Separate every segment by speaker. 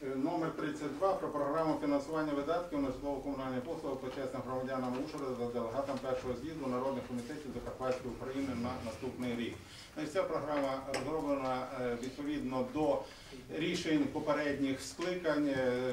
Speaker 1: Номер 32 про програму фінансування видатків на житлово-комунальні послуги почесним громадянам Ужгорода за делегатам першого з'їзду народних комітетів Закарпатської України на наступний рік. Ця програма розроблена відповідно до рішень попередніх скликань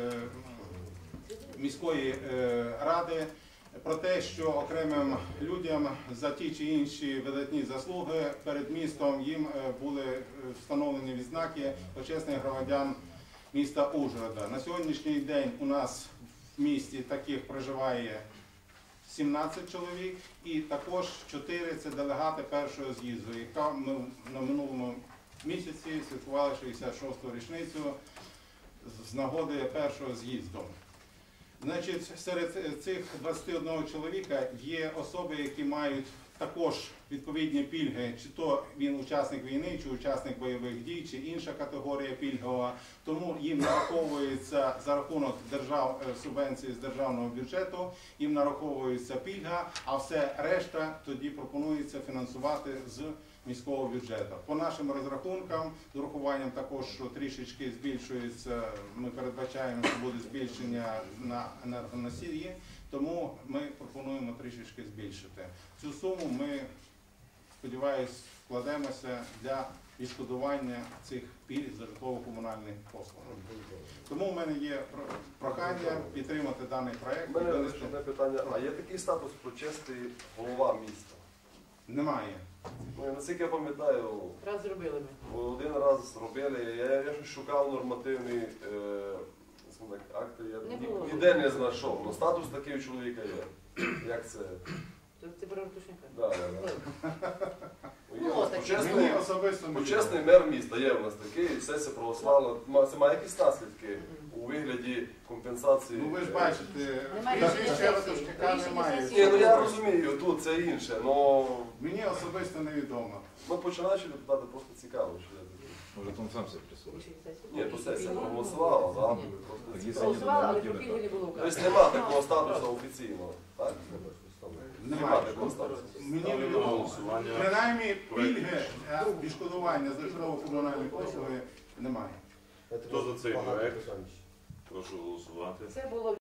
Speaker 1: міської ради про те, що окремим людям за ті чи інші видатні заслуги перед містом їм були встановлені відзнаки почесних громадян міста Ужгорода. На сьогоднішній день у нас в місті таких проживає 17 чоловік і також 4 – це делегати першого з'їзду, яка ми на минулому місяці святкували 66-ту річницю з нагоди першого з'їзду. Значить, серед цих 21 чоловіка є особи, які мають також відповідні пільги, чи то він учасник війни, чи учасник бойових дій, чи інша категорія пільгова. Тому їм нараховується за рахунок субвенції з державного бюджету, їм нараховується пільга, а все решта тоді пропонується фінансувати з міського бюджету. По нашим розрахункам, з урахуванням також, що трішечки збільшується, ми передбачаємо, що буде збільшення на енергоносії, тому ми пропонуємо трішечки збільшити. Цю суму ми, сподіваюся, вкладемося для відшкодування цих пільг за житлово-комунальні послуги. Тому в мене є прохання підтримати даний проєкт.
Speaker 2: У мене одне питання. А є такий статус почесний голова міста?
Speaker 1: Немає.
Speaker 2: Наскільки я пам'ятаю,
Speaker 3: Раз зробили ми.
Speaker 2: один раз робили, я щось шукав нормативні акти, я ніде не знайшов. Але статус такий у чоловіка є. Як це?
Speaker 3: Це про Ратушенка?
Speaker 2: Так. Почесний мер міста є в нас такий, сесія православна. Це має якісь наслідки у вигляді компенсації?
Speaker 1: Ну ви ж бачите, Ратушенка немає.
Speaker 2: Ні, ну я розумію, тут це інше, але...
Speaker 1: Мені особисто невідомо.
Speaker 2: Ми починаючи депутати просто цікаво.
Speaker 4: Може, він сам себе присутній.
Speaker 2: Ні, то сесія проголосувала, так?
Speaker 3: Проголосувала, але про пільги не було указу.
Speaker 2: Тобто нема такого статусу офіційного, так?
Speaker 1: Немає такого статусу. Мені невідомо. Принаймні пільги, відшкодування за житлово-комунальні послуги немає.
Speaker 5: Хто за цей проект? Прошу голосувати.
Speaker 3: Це було